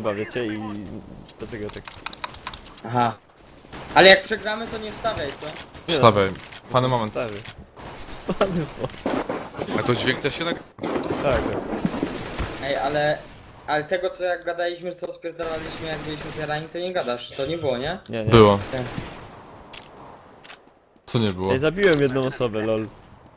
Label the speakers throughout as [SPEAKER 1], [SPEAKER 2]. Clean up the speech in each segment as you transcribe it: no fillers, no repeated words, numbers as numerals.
[SPEAKER 1] suba, wiecie, i dlatego tak...
[SPEAKER 2] Aha. Ale jak przegramy, to nie wstawiaj, co?
[SPEAKER 3] Wstawaj. Fany moment.
[SPEAKER 1] Stary. Fany
[SPEAKER 4] A to dźwięk też się nagrywa?
[SPEAKER 1] Tak.
[SPEAKER 2] Ej, ale tego, co jak gadaliśmy, co odpierdalaliśmy, jak byliśmy zjarani, to nie gadasz. To nie było, nie?
[SPEAKER 1] Nie, nie.
[SPEAKER 3] Było.
[SPEAKER 2] Tak.
[SPEAKER 3] Co nie było?
[SPEAKER 1] Ej, zabiłem jedną osobę, lol.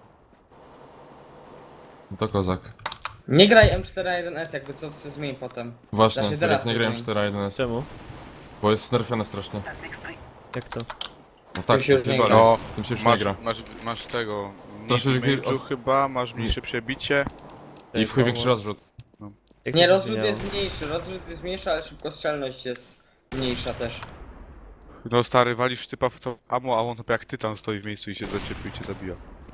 [SPEAKER 3] To kozak.
[SPEAKER 2] Nie graj M4A1S, jakby co się zmieni potem.
[SPEAKER 3] Właśnie,
[SPEAKER 2] Znaczy,
[SPEAKER 3] Zbierek,
[SPEAKER 2] teraz
[SPEAKER 3] nie
[SPEAKER 2] to
[SPEAKER 3] grałem
[SPEAKER 2] zmieni.
[SPEAKER 3] 4-1S.
[SPEAKER 1] Czemu?
[SPEAKER 3] Bo jest nerfione strasznie.
[SPEAKER 1] Jak to?
[SPEAKER 3] No tak,
[SPEAKER 2] się już nie
[SPEAKER 3] chyba,
[SPEAKER 2] gra.
[SPEAKER 3] no, tym się już nie
[SPEAKER 4] Masz,
[SPEAKER 3] gra.
[SPEAKER 4] masz tego...
[SPEAKER 3] Proszę,
[SPEAKER 4] Mniej
[SPEAKER 3] żeby-
[SPEAKER 4] chyba, masz mniejsze przebicie.
[SPEAKER 3] I w chuj większy rozrzut.
[SPEAKER 1] Jak
[SPEAKER 2] Nie,
[SPEAKER 1] to się
[SPEAKER 2] rozrzut
[SPEAKER 1] zmieniało?
[SPEAKER 2] jest mniejszy, ale szybkostrzelność jest mniejsza też.
[SPEAKER 4] No stary, walisz typa w co amo, a on jak tytan stoi w miejscu i się zaczepił i cię zabija.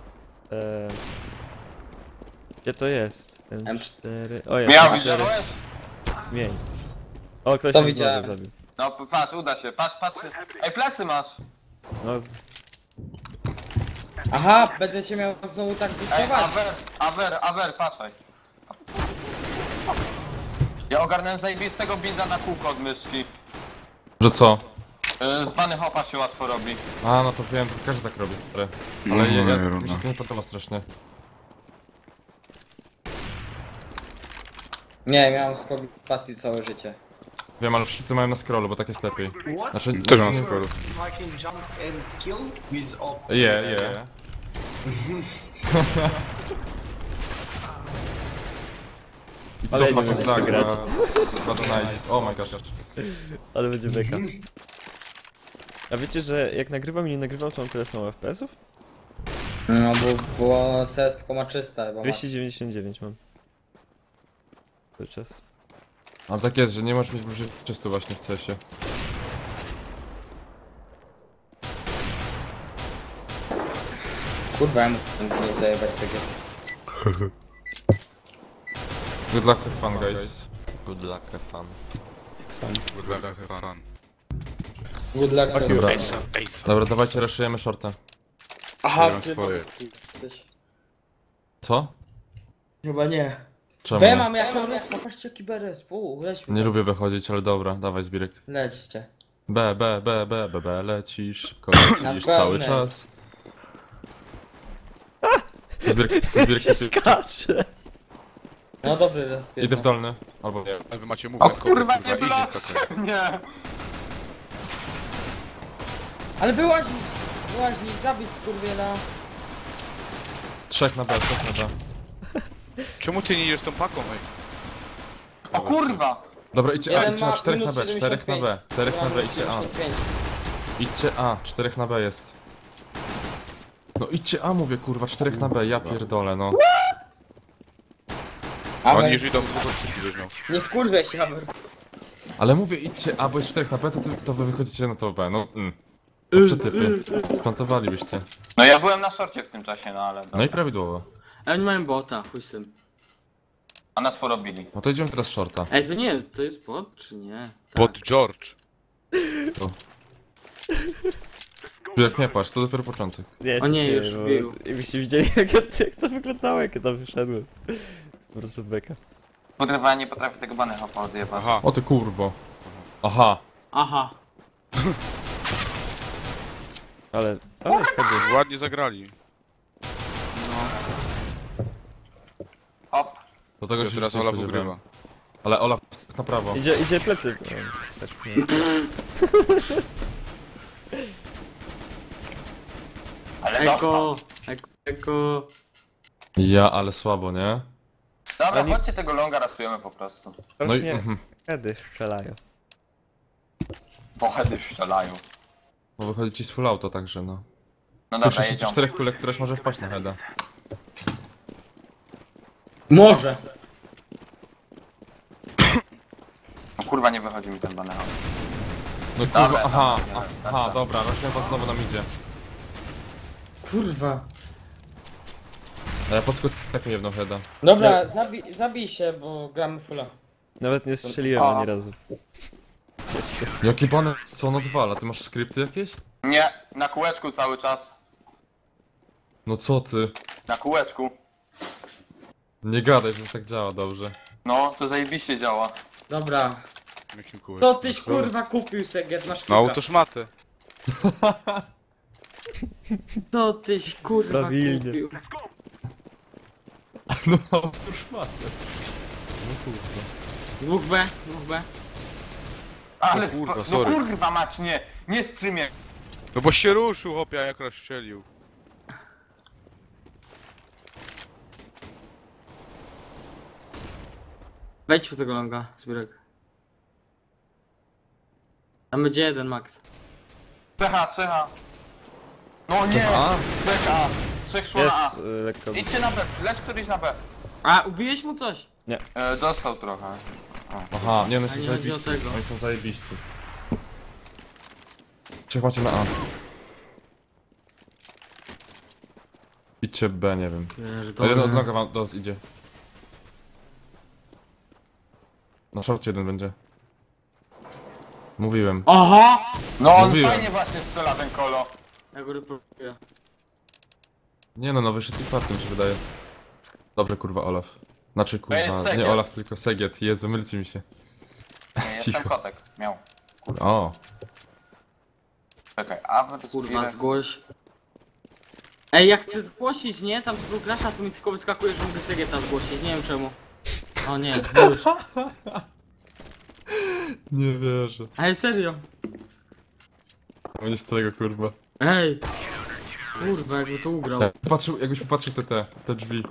[SPEAKER 1] Gdzie to jest?
[SPEAKER 2] M4.
[SPEAKER 1] O, jest.
[SPEAKER 5] Miał,
[SPEAKER 1] M4.
[SPEAKER 5] widziałeś?
[SPEAKER 1] Zmień. O, ktoś
[SPEAKER 2] To
[SPEAKER 1] się
[SPEAKER 2] widziałem.
[SPEAKER 1] znowu zabił.
[SPEAKER 5] No patrz, uda się, patrz. Ej, plecy masz!
[SPEAKER 1] No,
[SPEAKER 2] Aha, będę cię miał znowu tak
[SPEAKER 5] Ej,
[SPEAKER 2] wystawać.
[SPEAKER 5] Awer, patrzaj. Ja ogarnąłem zajebistego binda na kółko od myszki.
[SPEAKER 3] Że co?
[SPEAKER 5] Z bany hopa się łatwo robi.
[SPEAKER 3] A, no to wiem, to każdy tak robi, stary. Ale
[SPEAKER 4] No,
[SPEAKER 3] mi się to nie podoba strasznie.
[SPEAKER 2] Nie, miałem skok spacji całe życie.
[SPEAKER 3] Wiem, ale wszyscy mają na scrollu, bo tak jest lepiej.
[SPEAKER 6] What?
[SPEAKER 3] Znaczy,
[SPEAKER 4] Też mam skoro.
[SPEAKER 6] If I can jump and kill with op.
[SPEAKER 3] Yeah. I co
[SPEAKER 1] Ale nie
[SPEAKER 3] fucking
[SPEAKER 1] wiem,
[SPEAKER 3] tak,
[SPEAKER 1] jak to grać.
[SPEAKER 3] Bardzo nice. Oh my gosh.
[SPEAKER 1] ale będzie beka. A wiecie, że jak nagrywam i nie nagrywam, to mam tyle samo FPS-ów?
[SPEAKER 2] No bo CS tylko ma 300 chyba.
[SPEAKER 1] 299 mam. Cały czas.
[SPEAKER 3] Ale tak jest, że nie możesz mieć wyżej 300 właśnie w CS-ie.
[SPEAKER 2] Kurwa, ja mógł nie zajebać cegieł.
[SPEAKER 3] Good luck with fun, guys.
[SPEAKER 1] Good luck, have fun.
[SPEAKER 4] Good luck, have fun.
[SPEAKER 2] Good luck.
[SPEAKER 3] Dobra, dobra, dawajcie, raszujemy shorta.
[SPEAKER 2] Aha,
[SPEAKER 4] mam
[SPEAKER 2] ty
[SPEAKER 4] swoje.
[SPEAKER 2] jesteś.
[SPEAKER 3] Co?
[SPEAKER 2] Chyba nie.
[SPEAKER 3] Czemu?
[SPEAKER 2] B
[SPEAKER 3] Nie?
[SPEAKER 2] mam jaką resp, popatrzcie jaki B resp. Lećmy.
[SPEAKER 3] Nie lubię wychodzić, ale dobra, dawaj Zbirek.
[SPEAKER 2] Lećcie.
[SPEAKER 3] B, lecisz, szybko lecisz
[SPEAKER 2] Na
[SPEAKER 3] cały
[SPEAKER 2] pełnej.
[SPEAKER 3] czas. Zbirek,
[SPEAKER 1] Się skacze!
[SPEAKER 2] No dobry resp.
[SPEAKER 3] idę w dolny. Albo nie.
[SPEAKER 4] Ale wy macie
[SPEAKER 5] O
[SPEAKER 4] mówię,
[SPEAKER 5] kurwa, nie
[SPEAKER 4] easy
[SPEAKER 5] bloczcie
[SPEAKER 4] takie.
[SPEAKER 5] mnie!
[SPEAKER 2] Ale wyłaźnik, zabić skurwiela.
[SPEAKER 3] 3 na B.
[SPEAKER 4] Czemu ty nie idziesz tą paką, ej?
[SPEAKER 5] O kurwa!
[SPEAKER 3] Dobra, idźcie A,
[SPEAKER 2] Jeden
[SPEAKER 3] idźcie na
[SPEAKER 2] ma
[SPEAKER 3] 4 na
[SPEAKER 2] minus
[SPEAKER 3] B, 4 na B, 4 na B, idźcie A.
[SPEAKER 2] 75.
[SPEAKER 3] Idźcie A, 4 na B jest. No idźcie A mówię kurwa, 4 na B, ja pierdolę no.
[SPEAKER 2] Amer,
[SPEAKER 4] Oni już idą długo cyfry miał.
[SPEAKER 2] nie wkurwiaj się, Amer.
[SPEAKER 3] Ale mówię idźcie A, bo jest 4 na B, to wy wychodzicie na to B, no No przetypy, splantowalibyście.
[SPEAKER 5] No ja byłem na szorcie w tym czasie, no ale...
[SPEAKER 3] No i
[SPEAKER 5] dobra.
[SPEAKER 3] prawidłowo.
[SPEAKER 7] Ej, oni mają bota, chuj z tym.
[SPEAKER 5] A nas porobili.
[SPEAKER 3] No to idziemy teraz shorta.
[SPEAKER 7] Ej, to nie, to jest bot, czy nie? Tak.
[SPEAKER 4] Pod George.
[SPEAKER 3] Jak nie płacz, to dopiero początek.
[SPEAKER 1] Nie,
[SPEAKER 7] O nie,
[SPEAKER 1] się
[SPEAKER 7] już
[SPEAKER 1] śmieję,
[SPEAKER 7] wbił.
[SPEAKER 1] bo jakbyście widzieli jak to wyglądało, jak ja tam wyszedłem. Po prostu beka.
[SPEAKER 5] Kurwa, ja nie potrafię tego bany hopa odjebać.
[SPEAKER 4] Aha.
[SPEAKER 3] O ty kurwo. Aha.
[SPEAKER 7] Aha.
[SPEAKER 1] Ale wtedy.
[SPEAKER 4] Ładnie zagrali.
[SPEAKER 5] Hop.
[SPEAKER 3] Do tego
[SPEAKER 4] Już
[SPEAKER 3] się
[SPEAKER 4] teraz
[SPEAKER 3] nie
[SPEAKER 4] Ola
[SPEAKER 3] spodziewałem.
[SPEAKER 4] wygrywa.
[SPEAKER 3] Ale Ola na prawo.
[SPEAKER 1] Idzie plecy. Tak, nie.
[SPEAKER 5] Ale dostał.
[SPEAKER 7] Eko.
[SPEAKER 3] Ja, ale słabo, nie?
[SPEAKER 5] Dobra,
[SPEAKER 1] Oni-
[SPEAKER 5] chodźcie tego longa rasujemy po prostu.
[SPEAKER 3] No i...
[SPEAKER 1] Rocznie
[SPEAKER 3] Mhm.
[SPEAKER 1] kiedy strzelają.
[SPEAKER 5] Pochedy strzelają.
[SPEAKER 3] Bo wychodzi ci z full auto także no.
[SPEAKER 5] No
[SPEAKER 3] To
[SPEAKER 5] dobra,
[SPEAKER 3] 64
[SPEAKER 5] jedziemy.
[SPEAKER 3] kulek, któreś może wpaść na heada.
[SPEAKER 2] Może.
[SPEAKER 5] No kurwa, nie wychodzi mi ten bany hop.
[SPEAKER 3] No kurwa,
[SPEAKER 5] Dobra,
[SPEAKER 3] aha,
[SPEAKER 5] dobra,
[SPEAKER 3] aha,
[SPEAKER 5] dobra.
[SPEAKER 3] dobra, rośnie was znowu nam idzie.
[SPEAKER 2] Kurwa.
[SPEAKER 3] A ja podskok tak mi jedną heada.
[SPEAKER 2] Dobra, zabij się, bo gramy fulla.
[SPEAKER 1] Nawet nie strzeliłem ani razu.
[SPEAKER 3] Jakie bany są on odwala? Ty masz skrypty jakieś?
[SPEAKER 5] Nie, na kółeczku cały czas.
[SPEAKER 3] No co ty?
[SPEAKER 5] Na kółeczku.
[SPEAKER 3] Nie gadaj, że tak działa dobrze.
[SPEAKER 5] No, to zajebiście działa.
[SPEAKER 2] Dobra.
[SPEAKER 4] Jakim kółek?
[SPEAKER 2] Co tyś kurwa kupił Segiet, masz
[SPEAKER 4] No
[SPEAKER 2] kilka.
[SPEAKER 4] autoszmatę.
[SPEAKER 7] Co tyś kurwa
[SPEAKER 1] Prawilnie.
[SPEAKER 7] kupił?
[SPEAKER 3] No, już macie. No kurwa.
[SPEAKER 7] 2B, 2B.
[SPEAKER 5] Ale
[SPEAKER 4] kurwa,
[SPEAKER 5] no
[SPEAKER 4] sorry.
[SPEAKER 5] kurwa mać, nie strzymie.
[SPEAKER 4] No bo się ruszył, hopia, jak rozstrzelił.
[SPEAKER 7] Wejdź w tego longa, Zbirek. Tam będzie jeden max.
[SPEAKER 5] Trzecha. No nie,
[SPEAKER 3] A,
[SPEAKER 5] trzecha. Trzech szło na A.
[SPEAKER 1] Jest lekko...
[SPEAKER 5] Idźcie na B, leć któryś na B.
[SPEAKER 7] A, ubiłeś mu coś?
[SPEAKER 5] Dostał trochę.
[SPEAKER 3] aha, nie, one są
[SPEAKER 7] A nie chodzi o
[SPEAKER 3] zajebiści.
[SPEAKER 7] tego.
[SPEAKER 3] Oni są zajebiści. Trzech macie na A. Idźcie B, nie wiem. To jeden od noga wam do nas idzie. Na shorcie jeden będzie. Mówiłem.
[SPEAKER 7] Oho!
[SPEAKER 5] No on
[SPEAKER 3] Mówiłem.
[SPEAKER 5] fajnie właśnie strzela ten kolo.
[SPEAKER 7] Ja go reportuję.
[SPEAKER 3] Nie no, wyszedł i fartem się wydaje. Dobrze kurwa Olaf. Znaczy
[SPEAKER 5] To jest
[SPEAKER 3] kurwa,
[SPEAKER 5] Segiet.
[SPEAKER 3] nie Olaf, tylko Segiet. Jezu, mylcie mi się.
[SPEAKER 5] Nie, jestem
[SPEAKER 3] Cicho.
[SPEAKER 5] kotek. Miał.
[SPEAKER 3] O,
[SPEAKER 5] Czekaj, a wy to
[SPEAKER 7] Kurwa, zgłoś. Ej, jak chcę zgłosić, nie? Tam z gracza, to mi tylko wyskakuje, że mogę Segieta zgłosić. Nie wiem czemu. O nie, już.
[SPEAKER 3] nie wierzę.
[SPEAKER 7] Ej, serio.
[SPEAKER 3] No nie z tego kurwa.
[SPEAKER 7] Ej. Kurwa, jakby to ugrał.
[SPEAKER 3] Jakbyś popatrzył te drzwi.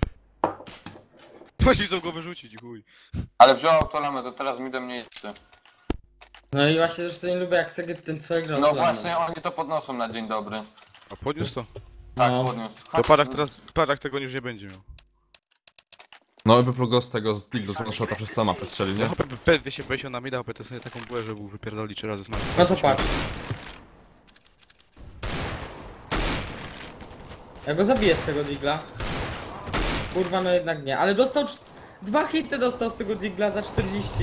[SPEAKER 4] Chodzi chcą go wyrzucić, chuj.
[SPEAKER 5] Ale wziął autolamę, to teraz mi do mnie idźcie.
[SPEAKER 2] No i właśnie zresztą nie lubię jak Segiet ten całe grał.
[SPEAKER 5] No właśnie, oni to podnoszą na dzień dobry.
[SPEAKER 4] A podniósł to?
[SPEAKER 5] Tak,
[SPEAKER 2] No.
[SPEAKER 5] podniósł.
[SPEAKER 4] To padak teraz, padak tego już nie będzie miał.
[SPEAKER 3] No jakby plugos z tego z Dildo z shota przez sama przestrzeli, nie?
[SPEAKER 4] No hopia, P250 na mida, hopia to sobie taką bułę, że był wypierdoli 3 razy z Maxa.
[SPEAKER 2] No to patrz. Ja go zabiję z tego digla. Kurwa, no jednak nie. Ale dostał... 2 hity dostał z tego digla za 40.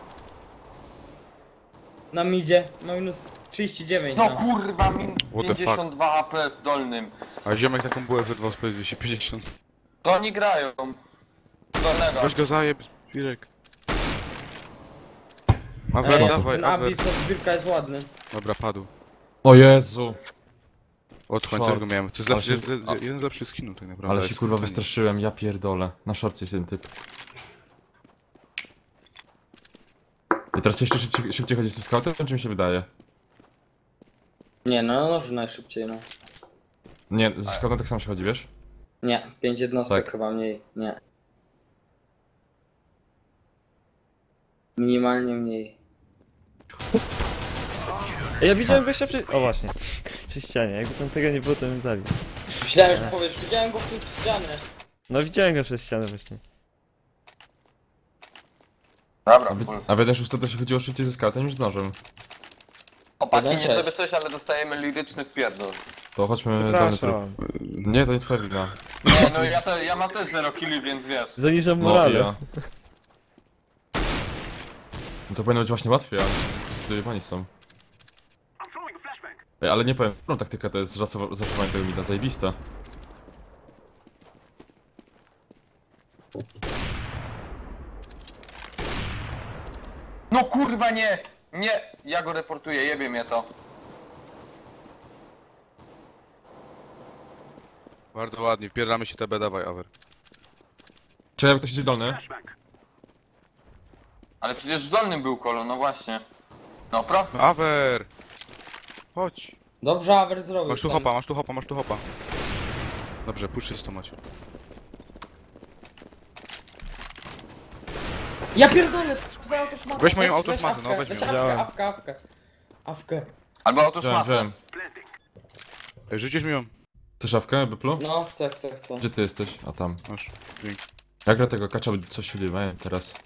[SPEAKER 2] Na midzie. Ma minus 39.
[SPEAKER 5] No
[SPEAKER 2] No.
[SPEAKER 5] kurwa, min
[SPEAKER 4] What the fuck?
[SPEAKER 5] 52 AP w dolnym.
[SPEAKER 4] A ziomek taką bułę wyrwał z P250.
[SPEAKER 5] To oni grają. Dolnego.
[SPEAKER 4] Weź go zajeb, Pirek. A
[SPEAKER 2] Ej,
[SPEAKER 4] wer, dawaj,
[SPEAKER 2] ten
[SPEAKER 4] Aver.
[SPEAKER 2] Abyss od zbiórka jest ładny.
[SPEAKER 4] Dobra, padł.
[SPEAKER 3] O Jezu!
[SPEAKER 4] Otchłań
[SPEAKER 3] Short.
[SPEAKER 4] tego miałem. To jest
[SPEAKER 3] Ale
[SPEAKER 4] lepszy,
[SPEAKER 3] się-
[SPEAKER 4] jeden z lepszych skinów tak naprawdę.
[SPEAKER 3] Ale się
[SPEAKER 4] jest
[SPEAKER 3] kurwa
[SPEAKER 4] ten-
[SPEAKER 3] wystraszyłem, ja pierdolę. Na szorcie jest ten typ. I teraz jeszcze szybciej chodzi z tym scoutem, czy mi się wydaje?
[SPEAKER 2] Nie, no może najszybciej, no.
[SPEAKER 3] Nie, ze scoutem tak samo się chodzi, wiesz?
[SPEAKER 2] Nie, 5 jednostek
[SPEAKER 3] Tak.
[SPEAKER 2] chyba mniej. Nie. Minimalnie mniej.
[SPEAKER 1] Ja widziałem gościa przy... O właśnie. Przy ścianie. Jakby tam tego nie było, to bym zabił.
[SPEAKER 2] Myślałem, że powiesz, widziałem go przez ścianę.
[SPEAKER 1] No widziałem go przez ścianę właśnie.
[SPEAKER 5] Dobra, full.
[SPEAKER 3] A wy też już to się chodziło szybciej ze scoutem niż z nożem.
[SPEAKER 5] Chłopaki, nie
[SPEAKER 2] 1-6.
[SPEAKER 5] żeby coś, ale dostajemy liryczny wpierdol.
[SPEAKER 3] To chodźmy dolny tryb.
[SPEAKER 1] Przepraszam.
[SPEAKER 3] Nie, to nie twoja wina.
[SPEAKER 5] Nie, no ja mam też 0 killi, więc wiesz.
[SPEAKER 1] Zaniżam
[SPEAKER 3] No,
[SPEAKER 1] morale.
[SPEAKER 3] ja. No to powinno być właśnie łatwiej, ale zdecydowani są. Ej, ale nie powiem, którą taktyka to jest zaszowanie tego mida, zajebista.
[SPEAKER 5] No kurwa nie! Nie! Ja go reportuję, jebie mnie to.
[SPEAKER 4] Bardzo ładnie, wpierdamy się TB, dawaj, Aver.
[SPEAKER 3] Czy jak ktoś idzie dolny?
[SPEAKER 5] Ale przecież w dolnym był kolo, no właśnie. No pro.
[SPEAKER 4] Aver! Chodź.
[SPEAKER 2] Dobrze, Aver zrobił.
[SPEAKER 4] Masz tu
[SPEAKER 2] tam.
[SPEAKER 4] hopa, masz tu hopa, masz tu hopa. Dobrze, puszczysto macie.
[SPEAKER 2] Ja pierdolę, twoja autoszmata.
[SPEAKER 4] Weź moją autoszmatę, no, weź
[SPEAKER 2] weź
[SPEAKER 4] ją.
[SPEAKER 2] awkę,
[SPEAKER 1] Wziąłem.
[SPEAKER 2] awkę. Awkę.
[SPEAKER 5] Albo
[SPEAKER 3] Wziąłem,
[SPEAKER 5] autoszmatę.
[SPEAKER 3] wziąłem.
[SPEAKER 4] Ej, rzucisz mi ją?
[SPEAKER 3] Chcesz szafkę, Byplu?
[SPEAKER 2] No, chcę.
[SPEAKER 3] Gdzie ty jesteś? A tam.
[SPEAKER 4] Masz. Dzięki.
[SPEAKER 3] Jak gra tego kacza, coś się dzieje teraz.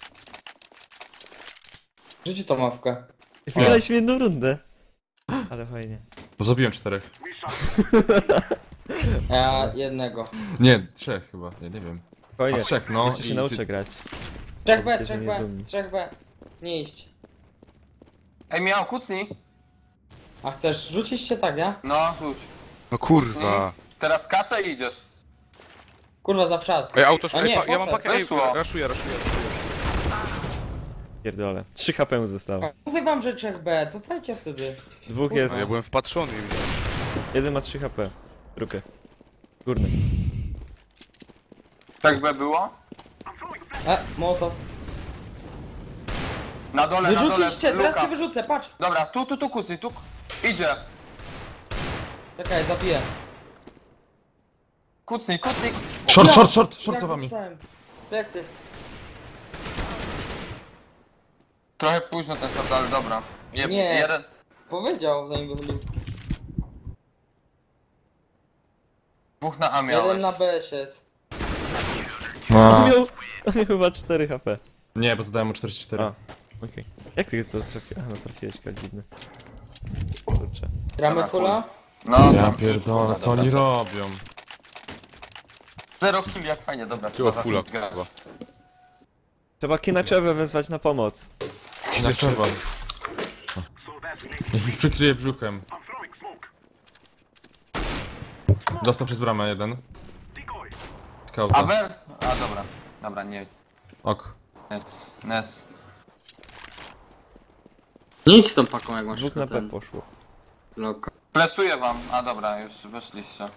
[SPEAKER 2] Rzuć tą awkę.
[SPEAKER 1] Wygraliśmy jedną rundę. Ale fajnie.
[SPEAKER 3] Bo zabiłem 4.
[SPEAKER 2] Ja jednego.
[SPEAKER 3] Nie, 3 chyba, nie wiem.
[SPEAKER 1] Fajnie.
[SPEAKER 3] A 3, no.
[SPEAKER 1] Jeszcze się nauczę grać.
[SPEAKER 2] 3B,
[SPEAKER 1] Powiedzcie, że
[SPEAKER 2] 3B,
[SPEAKER 1] niedumni.
[SPEAKER 2] 3B. Nie iść.
[SPEAKER 5] Ej, miał kucnij.
[SPEAKER 2] A chcesz rzucić się tak, ja?
[SPEAKER 5] No, rzuć.
[SPEAKER 4] No kurwa.
[SPEAKER 5] Teraz skacze i idziesz.
[SPEAKER 2] Kurwa, zawczas.
[SPEAKER 4] Ej, auto
[SPEAKER 2] A nie,
[SPEAKER 4] ja mam
[SPEAKER 2] poszedł.
[SPEAKER 4] pakę, ej,
[SPEAKER 5] Wyszło.
[SPEAKER 4] raszuję.
[SPEAKER 1] Pierdolę. 3 HP mu zostało.
[SPEAKER 2] Mówię wam, że 3B, cofajcie wtedy.
[SPEAKER 1] Dwóch
[SPEAKER 4] No
[SPEAKER 1] jest.
[SPEAKER 4] ja byłem wpatrzony i widziałem.
[SPEAKER 1] Jeden ma 3 HP. Rukę. Górny.
[SPEAKER 5] Tak by było?
[SPEAKER 2] Mołotow.
[SPEAKER 5] Na dole,
[SPEAKER 2] Wyrzuciście, teraz
[SPEAKER 5] luka.
[SPEAKER 2] cię wyrzucę, patrz.
[SPEAKER 5] Dobra, tu kucy, tu. Idzie.
[SPEAKER 2] Czekaj, zabiję.
[SPEAKER 5] Kucnij.
[SPEAKER 3] Short
[SPEAKER 2] Jak
[SPEAKER 3] za wami.
[SPEAKER 2] dostałem? Plecy.
[SPEAKER 5] Trochę późno ten shot, ale dobra.
[SPEAKER 2] Nie.
[SPEAKER 5] Jeden.
[SPEAKER 2] Powiedział, zanim wychodził.
[SPEAKER 5] Dwóch na A miałeś.
[SPEAKER 2] Jeden na BS jest.
[SPEAKER 1] On miał chyba 4 HP.
[SPEAKER 3] Nie, bo zadałem mu 44.
[SPEAKER 1] A. Okej. Jak ty to trafiłeś? No trafiłeś, dziwny. Kurczę.
[SPEAKER 2] Gramy
[SPEAKER 5] Dobra,
[SPEAKER 2] fulla?
[SPEAKER 5] No,
[SPEAKER 3] Ja
[SPEAKER 5] no.
[SPEAKER 3] pierdolę, co oni robią?
[SPEAKER 5] 0 kill, jak fajnie, dobra.
[SPEAKER 4] Chyba
[SPEAKER 5] trzeba
[SPEAKER 4] fulla,
[SPEAKER 5] zacząć grać.
[SPEAKER 4] chyba.
[SPEAKER 1] Trzeba Kinaczewę wezwać na pomoc.
[SPEAKER 3] Na trzeba. Niech ich przykryje brzuchem. Dostał przez bramę jeden. Skauta.
[SPEAKER 5] Awer? A dobra. Dobra, nie.
[SPEAKER 3] Ok.
[SPEAKER 5] Nec.
[SPEAKER 7] Nie idź z tą paką, jak masz
[SPEAKER 1] Dwóch na P
[SPEAKER 7] ten
[SPEAKER 1] poszło.
[SPEAKER 7] blok.
[SPEAKER 5] Flesuję wam. A dobra, już wyszliście.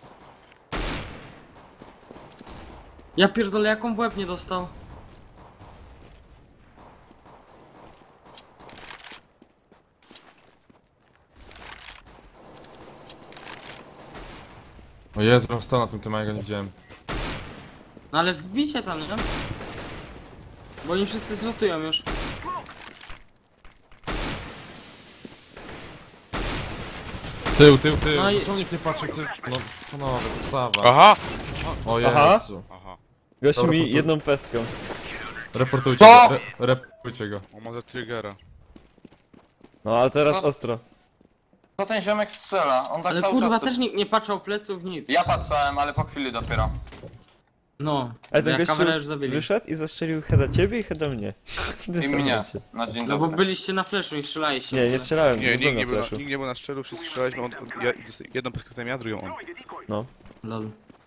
[SPEAKER 7] Ja pierdolę, jaką w łeb nie dostał?
[SPEAKER 3] O Jezu, on stał na tym tym, a ja go nie widziałem.
[SPEAKER 7] No ale wbicie tam, nie? Bo oni wszyscy zlutują już.
[SPEAKER 3] Tył.
[SPEAKER 7] No i-
[SPEAKER 3] Czemu nikt nie patrzy, ty... No, panowie, podstawa.
[SPEAKER 4] Aha!
[SPEAKER 3] O
[SPEAKER 1] Aha.
[SPEAKER 3] Jezu.
[SPEAKER 4] Aha.
[SPEAKER 1] Gościu
[SPEAKER 3] Dobra,
[SPEAKER 1] mi
[SPEAKER 3] to tu-
[SPEAKER 1] jedną pestką.
[SPEAKER 3] Reportujcie
[SPEAKER 5] Co?
[SPEAKER 3] go, reportujcie go.
[SPEAKER 4] On ma za triggera.
[SPEAKER 1] No ale teraz
[SPEAKER 5] No.
[SPEAKER 1] ostro.
[SPEAKER 5] Co ten ziomek strzela? On tak
[SPEAKER 7] Ale
[SPEAKER 5] cały
[SPEAKER 7] kurwa,
[SPEAKER 5] czas... tu-
[SPEAKER 7] też nikt nie patrzał pleców, nic.
[SPEAKER 5] Ja patrzyłem, ale po chwili dopiero.
[SPEAKER 7] No,
[SPEAKER 1] Ale ten
[SPEAKER 7] ja
[SPEAKER 1] gościu
[SPEAKER 7] kamerę już zabili.
[SPEAKER 1] wyszedł i zastrzelił heada ciebie i heada mnie.
[SPEAKER 5] I mnie. Na dzień
[SPEAKER 7] No bo
[SPEAKER 5] dobry.
[SPEAKER 7] byliście na flashu i strzelaliście.
[SPEAKER 1] Nie, nie strzelałem,
[SPEAKER 4] Nie,
[SPEAKER 1] byłem
[SPEAKER 4] nikt
[SPEAKER 1] na flashu.
[SPEAKER 4] nie był na strzelu, wszyscy strzelaliśmy, jedną peskę ja, drugą on.
[SPEAKER 1] No.
[SPEAKER 7] Lol.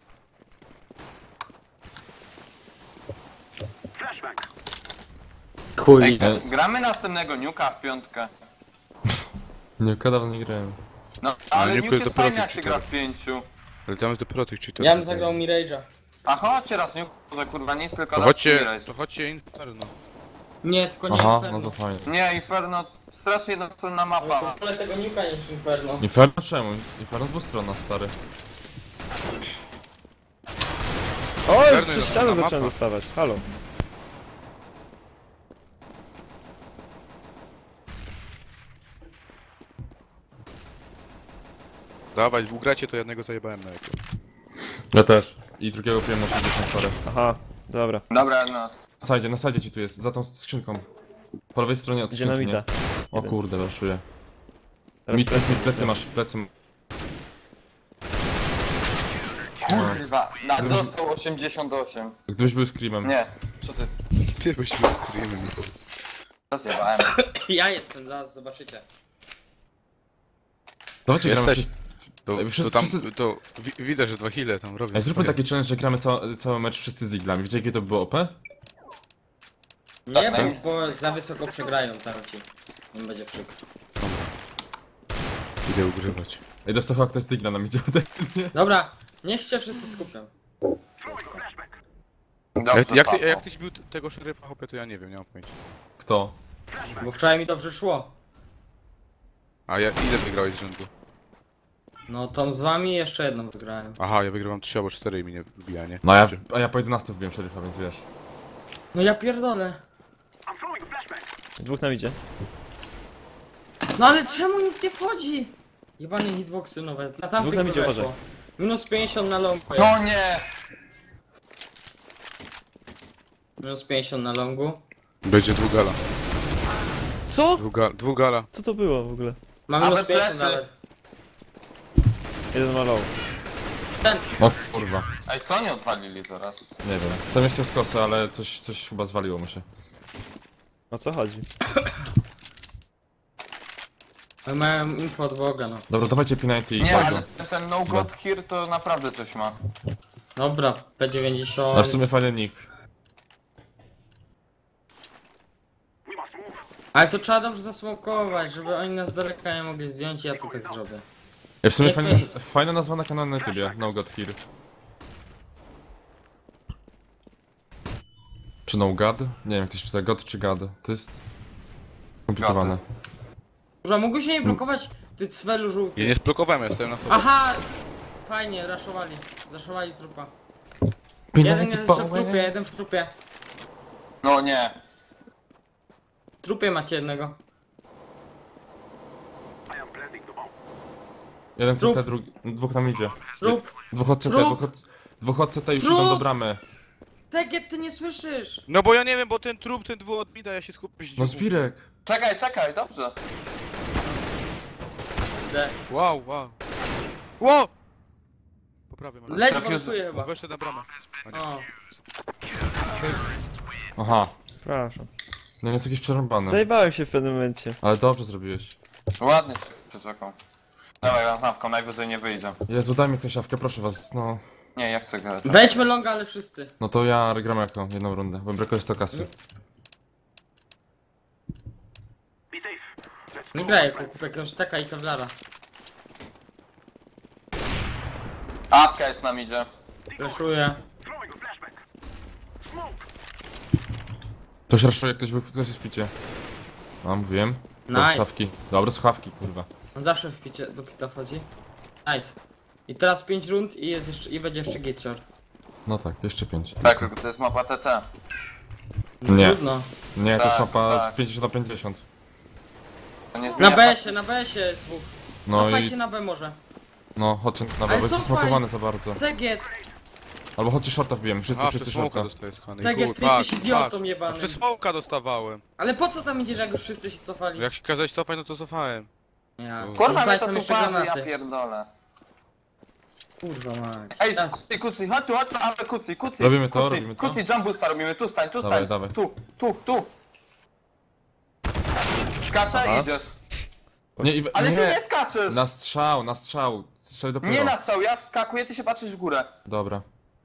[SPEAKER 7] Chuj.
[SPEAKER 5] Ej, gramy następnego nuka w piątkę.
[SPEAKER 3] Nie, dawno nie grałem.
[SPEAKER 5] No, ale
[SPEAKER 4] nuke
[SPEAKER 5] nuke jest
[SPEAKER 4] dopiero
[SPEAKER 5] fajny
[SPEAKER 4] tych
[SPEAKER 5] jak się gra w
[SPEAKER 4] cheaterów.
[SPEAKER 5] 5.
[SPEAKER 4] Ale tam jest dopiero tych cheaterów.
[SPEAKER 2] Ja bym zagrał Mirage'a.
[SPEAKER 5] A chodźcie raz nuke, że kurwa nic, tylko
[SPEAKER 4] To
[SPEAKER 5] raz
[SPEAKER 4] chodźcie Inferno.
[SPEAKER 7] Nie, tylko nie
[SPEAKER 3] Aha,
[SPEAKER 7] Inferno.
[SPEAKER 3] no to fajnie.
[SPEAKER 5] Nie, Inferno, strasznie jednostronna mapa.
[SPEAKER 2] Ale tego Nuka niż Inferno.
[SPEAKER 3] Inferno czemu? Inferno dwustronna, stary.
[SPEAKER 1] O, już
[SPEAKER 4] Czarny
[SPEAKER 1] przez
[SPEAKER 4] na
[SPEAKER 1] ścianę
[SPEAKER 4] mapa.
[SPEAKER 1] zacząłem dostawać. Halo.
[SPEAKER 4] Dawaj, ugracie to jednego zajebałem na jakie.
[SPEAKER 3] Ja też. I drugiego piłem na 60 parę.
[SPEAKER 1] Aha, dobra.
[SPEAKER 5] Dobra, no.
[SPEAKER 3] Na sajdzie ci tu jest, za tą skrzynką. Po lewej stronie od skrzynki,
[SPEAKER 1] Dynamita.
[SPEAKER 3] nie? O kurde, raszuję.
[SPEAKER 1] Teraz
[SPEAKER 3] Plecy masz, plecy.
[SPEAKER 5] Kurwa, dostał 88.
[SPEAKER 3] Gdybyś był screamem.
[SPEAKER 5] Nie, co ty?
[SPEAKER 4] Ty byś był screamem.
[SPEAKER 5] Rozjebałem.
[SPEAKER 2] Ja jestem, zaraz zobaczycie.
[SPEAKER 3] Dawajcie gramy
[SPEAKER 4] Jesteś.
[SPEAKER 3] wszyscy.
[SPEAKER 4] To,
[SPEAKER 3] Ej, wszyscy-
[SPEAKER 4] to tam,
[SPEAKER 3] wszyscy-
[SPEAKER 4] to widać, że 2 heale tam robią.
[SPEAKER 3] Ej, zróbmy taki challenge, że gramy cały mecz wszyscy z diglami. Wiecie jakie to było OP?
[SPEAKER 2] Nie,
[SPEAKER 5] Tak,
[SPEAKER 2] bo za wysoko przegrają tamci. Nie będzie przykro.
[SPEAKER 4] Idę ugrywać.
[SPEAKER 3] Ej, dostał chyba ktoś z digla nam idzie ode mnie.
[SPEAKER 2] Dobra, niech się wszyscy skupią.
[SPEAKER 5] Dobrze,
[SPEAKER 4] Jak tyś bił tego szeryfa, hopie, to ja nie wiem, nie mam pojęcia.
[SPEAKER 3] Kto?
[SPEAKER 2] Bo wczoraj mi dobrze szło.
[SPEAKER 4] A ile wygrałeś z rzędu?
[SPEAKER 2] No tą z wami i jeszcze jedną wygrałem.
[SPEAKER 4] Aha, ja wygrywam 3 albo 4 i mi nie wbija, nie?
[SPEAKER 3] No a ja po 11 wbiłem szeryfa, więc wiesz.
[SPEAKER 2] No ja pierdolę.
[SPEAKER 1] Dwóch nam idzie.
[SPEAKER 2] No ale czemu nic nie wchodzi? Jebane hitboxy nowe. Na
[SPEAKER 1] Dwóch
[SPEAKER 2] tamtych
[SPEAKER 1] nam
[SPEAKER 2] by
[SPEAKER 1] idzie,
[SPEAKER 2] weszło.
[SPEAKER 1] uważaj.
[SPEAKER 2] Minus 50 na longu.
[SPEAKER 5] No nie!
[SPEAKER 2] Minus 50 na longu.
[SPEAKER 4] Będzie dwugala.
[SPEAKER 1] Co?
[SPEAKER 4] Dwugala.
[SPEAKER 1] Co to było w ogóle?
[SPEAKER 2] Ma
[SPEAKER 5] Ale
[SPEAKER 2] minus 50
[SPEAKER 5] plecy.
[SPEAKER 2] nawet.
[SPEAKER 1] Jeden ma low.
[SPEAKER 2] Ten.
[SPEAKER 3] O kurwa.
[SPEAKER 5] Ej, co oni odwalili teraz?
[SPEAKER 3] Nie wiem. Tam jeszcze z kosy, ale coś chyba zwaliło mu się.
[SPEAKER 1] O co chodzi?
[SPEAKER 2] Miałem info od Boga, no.
[SPEAKER 3] Dobra, dawajcie P90 i
[SPEAKER 5] Nie,
[SPEAKER 3] tego.
[SPEAKER 5] ale ten no god here to naprawdę coś ma.
[SPEAKER 2] Dobra,
[SPEAKER 3] A
[SPEAKER 2] P90.
[SPEAKER 3] w sumie fajny nick.
[SPEAKER 7] Ale to trzeba dobrze zasmokować, żeby oni nas z daleka nie mogli zdjąć i ja to tak zrobię.
[SPEAKER 3] Ja w sumie
[SPEAKER 7] Jak
[SPEAKER 3] fajna nazwa na kanale na YouTubie, No God Here. Czy No God? Nie wiem jak to się czyta, God czy God. To jest... komplikowane.
[SPEAKER 7] Kurwa, mógłbyś się nie blokować, ty cwelu żółty.
[SPEAKER 4] Ja nie sblokowałem, ja stoję na tobie.
[SPEAKER 7] Aha! Fajnie, raszowali. Raszowali trupa.
[SPEAKER 3] Pilnuj
[SPEAKER 7] Jeden jest jeszcze w trupie, jeden w trupie.
[SPEAKER 5] No nie.
[SPEAKER 7] W trupie macie jednego.
[SPEAKER 3] Jeden
[SPEAKER 7] Trup.
[SPEAKER 3] CT, drugi... dwóch nam idzie.
[SPEAKER 7] Trup!
[SPEAKER 3] Dwóch od CT,
[SPEAKER 7] Trup.
[SPEAKER 3] dwóch od CT już
[SPEAKER 7] Trup.
[SPEAKER 3] idą do bramy.
[SPEAKER 7] Teget, ty nie słyszysz!
[SPEAKER 4] No bo ja nie wiem, bo ten trup, ten dwóch od mida, ja się skupię.
[SPEAKER 3] No Zwirek.
[SPEAKER 5] Czekaj, dobrze.
[SPEAKER 7] De.
[SPEAKER 4] Wow. Wow! Poprawię, może.
[SPEAKER 7] Leć,
[SPEAKER 5] Trafił-
[SPEAKER 7] boksuje chyba.
[SPEAKER 4] Weszłem na bramę.
[SPEAKER 7] O.
[SPEAKER 3] Aha.
[SPEAKER 1] Przepraszam.
[SPEAKER 3] No jest jakieś przerąbane.
[SPEAKER 1] Zajebałem się w pewnym momencie.
[SPEAKER 3] Ale dobrze zrobiłeś.
[SPEAKER 5] Ładnie się przeczekał. Dawaj, lampką, najwyżej nie wyjdzie.
[SPEAKER 3] Jezu, daj mi ktoś szafkę, proszę was, no.
[SPEAKER 5] Nie, ja chcę grać.
[SPEAKER 7] Wejdźmy longa, ale wszyscy.
[SPEAKER 3] No to ja gram jako jedną rundę, bo brakuje 100 kasy.
[SPEAKER 7] Nie graj jako kupek Roszteka i Kevlara.
[SPEAKER 5] Awka jest nam idzie.
[SPEAKER 7] Flashuję.
[SPEAKER 3] Ktoś raszuje, ktoś jest w picie. No, mówiłem.
[SPEAKER 7] Nice.
[SPEAKER 3] Słuchawki. Dobre słuchawki, kurwa.
[SPEAKER 7] On zawsze w picie do pita wchodzi. Nice. I teraz 5 rund i jest jeszcze, i będzie jeszcze gitshore.
[SPEAKER 3] No tak, jeszcze 5.
[SPEAKER 5] Tak, tylko to jest mapa TT.
[SPEAKER 3] Nie.
[SPEAKER 7] Trudno.
[SPEAKER 3] Nie, to jest
[SPEAKER 5] Tak,
[SPEAKER 3] mapa
[SPEAKER 5] tak.
[SPEAKER 3] 50 na 50.
[SPEAKER 5] To nie
[SPEAKER 7] Na
[SPEAKER 5] zmienia
[SPEAKER 7] BS-ie, na BS-ie jest dwóch.
[SPEAKER 3] No
[SPEAKER 7] Cofajcie
[SPEAKER 3] i...
[SPEAKER 7] na B może.
[SPEAKER 3] No, chodźcie na
[SPEAKER 7] Ale
[SPEAKER 3] bo jest
[SPEAKER 7] cofaj.
[SPEAKER 3] zasmakowany za bardzo.
[SPEAKER 7] Segiet!
[SPEAKER 3] Albo chodźcie shorta wbijemy, wszyscy
[SPEAKER 4] A,
[SPEAKER 3] wszyscy
[SPEAKER 4] przez smoka
[SPEAKER 3] shorta.
[SPEAKER 4] dostaję skany.
[SPEAKER 7] Segiet, ty jesteś idiotą jebanym.
[SPEAKER 4] Przez smoka dostawałem.
[SPEAKER 7] Ale po co tam idziesz, jak już wszyscy się cofali?
[SPEAKER 4] Jak się kazałeś cofać, no to cofałem.
[SPEAKER 7] Ja.
[SPEAKER 5] Kurwa, mnie
[SPEAKER 7] Rzucać
[SPEAKER 5] to
[SPEAKER 7] tam
[SPEAKER 5] tu
[SPEAKER 7] jeszcze
[SPEAKER 5] parzy, ja
[SPEAKER 7] granaty.
[SPEAKER 5] pierdolę.
[SPEAKER 7] Kurwa mać.
[SPEAKER 5] Ej,
[SPEAKER 7] Teraz.
[SPEAKER 5] kucy, chodź tu, ale kucy.
[SPEAKER 3] Robimy to,
[SPEAKER 5] kucy,
[SPEAKER 3] robimy to.
[SPEAKER 5] Kucy, jump boosta robimy, tu stań.
[SPEAKER 3] Dawaj.
[SPEAKER 5] Tu. Skacze,
[SPEAKER 1] Aha.
[SPEAKER 5] idziesz.
[SPEAKER 3] Nie,
[SPEAKER 5] Ale
[SPEAKER 3] nie.
[SPEAKER 5] ty nie skaczesz!
[SPEAKER 3] Na strzał. Strzel dopiero.
[SPEAKER 5] Nie na strzał, ja wskakuję, ty się patrzysz w górę.
[SPEAKER 3] Dobra.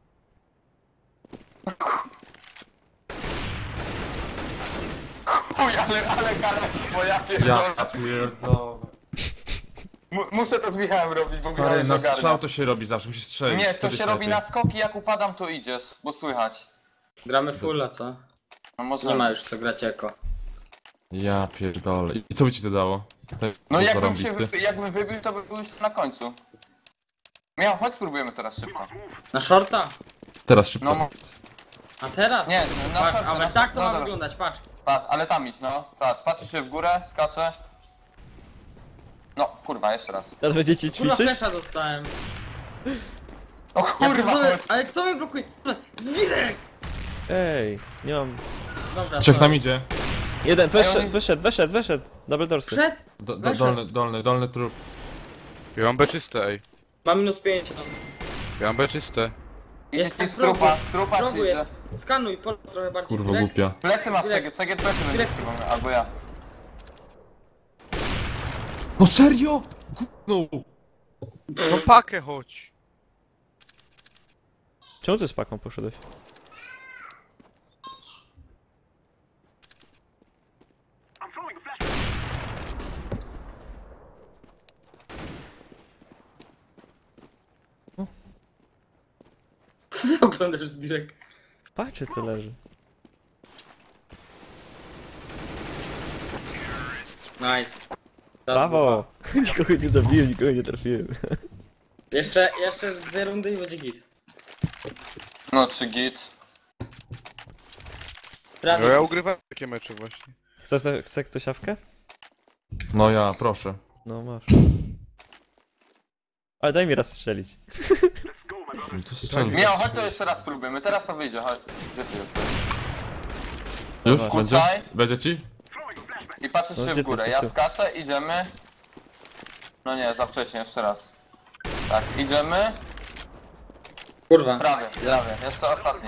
[SPEAKER 5] Uj, ale kalectwo, ja
[SPEAKER 3] Ja
[SPEAKER 5] pierdolę.
[SPEAKER 3] pierdolę.
[SPEAKER 5] Muszę to z Michałem robić, bo
[SPEAKER 3] Stary,
[SPEAKER 5] Michał
[SPEAKER 3] na
[SPEAKER 5] już ogarnia.
[SPEAKER 3] strzał to się robi zawsze, musisz strzelić.
[SPEAKER 5] Nie, to
[SPEAKER 3] wtedy
[SPEAKER 5] się robi
[SPEAKER 3] lepiej.
[SPEAKER 5] na skoki, jak upadam to idziesz, bo słychać.
[SPEAKER 7] Gramy fulla, co?
[SPEAKER 5] No może...
[SPEAKER 7] Nie ma już co grać jako.
[SPEAKER 3] Ja pierdolę. I co by ci to dało? Tak,
[SPEAKER 5] No
[SPEAKER 3] zarąbisty.
[SPEAKER 5] jakbym wybił, to by był już na końcu. Miał, chodź spróbujemy teraz szybko.
[SPEAKER 7] Na shorta?
[SPEAKER 3] Teraz szybko.
[SPEAKER 5] No,
[SPEAKER 7] A teraz?
[SPEAKER 5] nie, na
[SPEAKER 7] Patrz,
[SPEAKER 5] szorty,
[SPEAKER 7] ale
[SPEAKER 5] na
[SPEAKER 7] tak to
[SPEAKER 5] no,
[SPEAKER 7] ma
[SPEAKER 5] dobra.
[SPEAKER 7] wyglądać, patrz.
[SPEAKER 5] Ale tam idź, no. Patrzysz się w górę, skacze. No, kurwa, jeszcze raz.
[SPEAKER 1] Teraz będziecie
[SPEAKER 7] Kurwa,
[SPEAKER 1] ćwiczyć?
[SPEAKER 7] flesza dostałem.
[SPEAKER 5] O
[SPEAKER 7] Ja
[SPEAKER 5] kurwa!
[SPEAKER 7] pierdolę, ale kto mnie blokuje? Zwirek!
[SPEAKER 1] Ej, nie mam...
[SPEAKER 7] Dobra,
[SPEAKER 3] Trzech
[SPEAKER 7] sorry.
[SPEAKER 3] nam idzie.
[SPEAKER 1] Jeden,
[SPEAKER 5] oni-
[SPEAKER 1] wyszedł. Double dorsy.
[SPEAKER 7] Przed? Weszedł.
[SPEAKER 3] Dolny trup.
[SPEAKER 4] Ja mam B czyste, ej.
[SPEAKER 7] Ma minus 5.
[SPEAKER 4] Ja mam B czyste.
[SPEAKER 5] Idzie
[SPEAKER 7] Jest
[SPEAKER 5] ci
[SPEAKER 7] w progu.
[SPEAKER 5] strupa
[SPEAKER 7] W rogu
[SPEAKER 5] ci idzie.
[SPEAKER 7] jest. Skanuj, pol trochę bardziej
[SPEAKER 3] Kurwa
[SPEAKER 7] Zwirek.
[SPEAKER 3] głupia.
[SPEAKER 5] Plecy masz,
[SPEAKER 7] Direkt.
[SPEAKER 5] Segiet plecy będziesz
[SPEAKER 7] Direkt.
[SPEAKER 5] chyba, albo ja.
[SPEAKER 3] No serio? Gówno!
[SPEAKER 4] No pakę chodź.
[SPEAKER 1] Czemu ty z paką poszedłeś?
[SPEAKER 7] Ty oglądasz Zwirek.
[SPEAKER 1] Patrzcie co leży.
[SPEAKER 7] Nice.
[SPEAKER 1] Brawo! Nikogo nie zabiłem, nikogo nie trafiłem.
[SPEAKER 7] Jeszcze 2 rundy i będzie git.
[SPEAKER 5] No, czy git.
[SPEAKER 4] No
[SPEAKER 7] Prawie.
[SPEAKER 4] ja ugrywam takie mecze właśnie.
[SPEAKER 1] Chce ktoś siawkę?
[SPEAKER 3] No ja, proszę.
[SPEAKER 1] No masz. Ale daj mi raz strzelić.
[SPEAKER 3] No to strzelił.
[SPEAKER 5] Miał, chodź to jeszcze raz spróbujemy, teraz to wyjdzie, chodź. Gdzie ty jesteś?
[SPEAKER 3] Już?
[SPEAKER 1] Dobra.
[SPEAKER 3] Będzie?
[SPEAKER 5] Kucaj.
[SPEAKER 3] Będzie ci?
[SPEAKER 5] I patrzysz
[SPEAKER 1] No,
[SPEAKER 5] się
[SPEAKER 1] gdzie
[SPEAKER 5] w
[SPEAKER 1] ty
[SPEAKER 5] górę,
[SPEAKER 1] jesteś
[SPEAKER 5] ja
[SPEAKER 1] tu?
[SPEAKER 5] skaczę, idziemy. No nie, za wcześnie, jeszcze raz. Tak, idziemy.
[SPEAKER 7] Kurwa.
[SPEAKER 5] Prawie, jeszcze ostatni.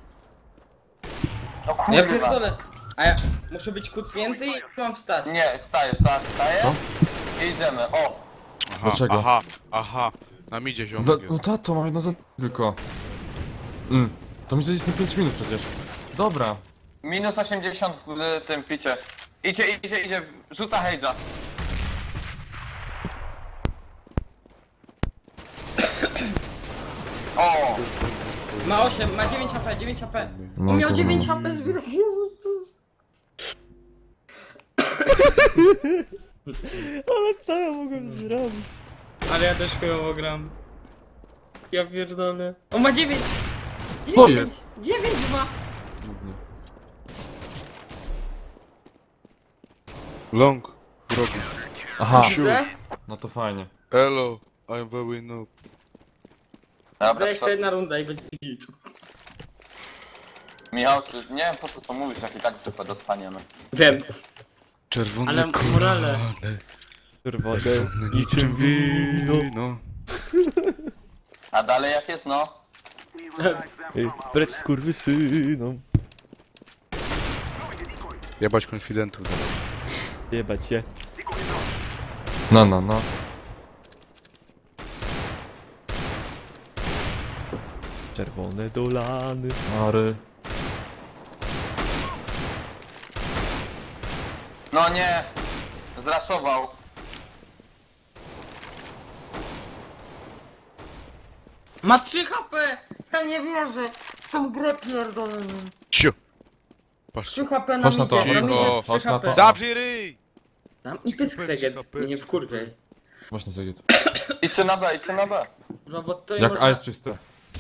[SPEAKER 5] No
[SPEAKER 7] Ja
[SPEAKER 5] kurwa.
[SPEAKER 7] pierdolę. A ja muszę być kucnięty i mam wstać.
[SPEAKER 5] Nie, wstajesz, tak, wstajesz.
[SPEAKER 3] Co?
[SPEAKER 5] I idziemy, o.
[SPEAKER 4] Aha,
[SPEAKER 3] Dlaczego?
[SPEAKER 4] aha. Na midzie ziomek
[SPEAKER 3] No,
[SPEAKER 4] jest.
[SPEAKER 3] no tato, mam jedno za tylko. To mi zajdzie na 5 minut przecież. Dobra.
[SPEAKER 5] Minus 80 w tym picie. Idzie, rzuca Hage'a. O!
[SPEAKER 2] Ma 8, ma 9 HP, 9 HP.
[SPEAKER 3] No,
[SPEAKER 2] On miał
[SPEAKER 3] kurwa.
[SPEAKER 2] 9 HP zbierać.
[SPEAKER 1] Ale co ja mogłem zrobić?
[SPEAKER 2] Ale ja też chujowo gram. Ja pierdolę. On ma 9!
[SPEAKER 3] To jest.
[SPEAKER 2] 9 ma!
[SPEAKER 4] Long. W rogu.
[SPEAKER 3] Aha,
[SPEAKER 2] Widzę?
[SPEAKER 3] no to fajnie.
[SPEAKER 4] Hello. I'm very noob.
[SPEAKER 5] Dobra,
[SPEAKER 2] Jeszcze jedna runda i będzie git.
[SPEAKER 5] Michał, nie wiem po co to mówisz, jak i tak zwykle dostaniemy.
[SPEAKER 2] Wiem.
[SPEAKER 4] Czerwone
[SPEAKER 2] Ale morale.
[SPEAKER 1] Czerwone.
[SPEAKER 4] niczym wino.
[SPEAKER 5] A dalej jak jest, no?
[SPEAKER 1] Ej, precz skurwysynom.
[SPEAKER 4] Jebać konfidentów.
[SPEAKER 1] Jebać się.
[SPEAKER 3] No.
[SPEAKER 1] Czerwone dolany.
[SPEAKER 3] Mary.
[SPEAKER 5] No nie! Zraszował.
[SPEAKER 2] Ma 3 HP! Ja nie wierzę! W tą grę pierdolę.
[SPEAKER 4] Cio. Patrz.
[SPEAKER 2] 3 HP na
[SPEAKER 3] Chodź na to.
[SPEAKER 2] midzie,
[SPEAKER 4] Cicho,
[SPEAKER 2] 3
[SPEAKER 3] chodź na
[SPEAKER 2] HP.
[SPEAKER 3] to.
[SPEAKER 4] Zabrzij ryj!
[SPEAKER 2] I pysk seget, nie wkurwiaj.
[SPEAKER 3] Właśnie zagiet.
[SPEAKER 5] Idźcie na B.
[SPEAKER 2] No bo to nie
[SPEAKER 3] Jak
[SPEAKER 2] można...
[SPEAKER 3] A jest czyste.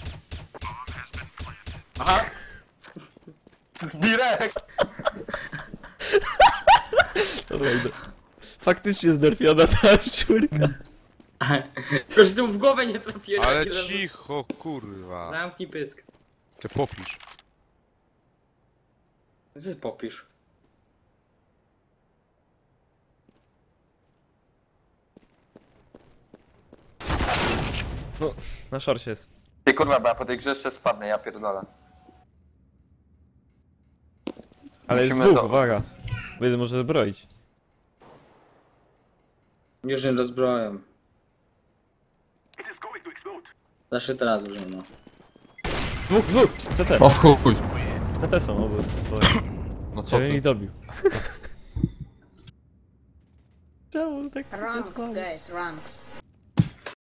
[SPEAKER 2] Aha!
[SPEAKER 5] Zbirek!
[SPEAKER 1] Dobra, idę. Faktycznie znerfiona ta szczurka.
[SPEAKER 2] Tylko, że tu w głowę nie trafiłeś.
[SPEAKER 4] Ale
[SPEAKER 2] ani razu.
[SPEAKER 4] cicho, kurwa.
[SPEAKER 2] Zamknij pysk.
[SPEAKER 4] Ty popisz.
[SPEAKER 2] Ty popisz.
[SPEAKER 1] No, na szorcie jest.
[SPEAKER 5] Ty kurwa, bo ja po tej grze jeszcze spadnę, ja pierdolę.
[SPEAKER 1] Ale jest
[SPEAKER 5] Musimy
[SPEAKER 1] dwóch,
[SPEAKER 5] to-
[SPEAKER 1] uwaga. Bo jeden może zbroić.
[SPEAKER 2] Już nie rozbroję. Zawsze teraz już nie ma.
[SPEAKER 1] Dwóch! Co te?
[SPEAKER 3] O w chuj.
[SPEAKER 1] Na te są oby.
[SPEAKER 3] No co
[SPEAKER 1] Ja ich
[SPEAKER 3] ty?
[SPEAKER 1] dobił. Czemu tak
[SPEAKER 8] Ranks, guys, ranks.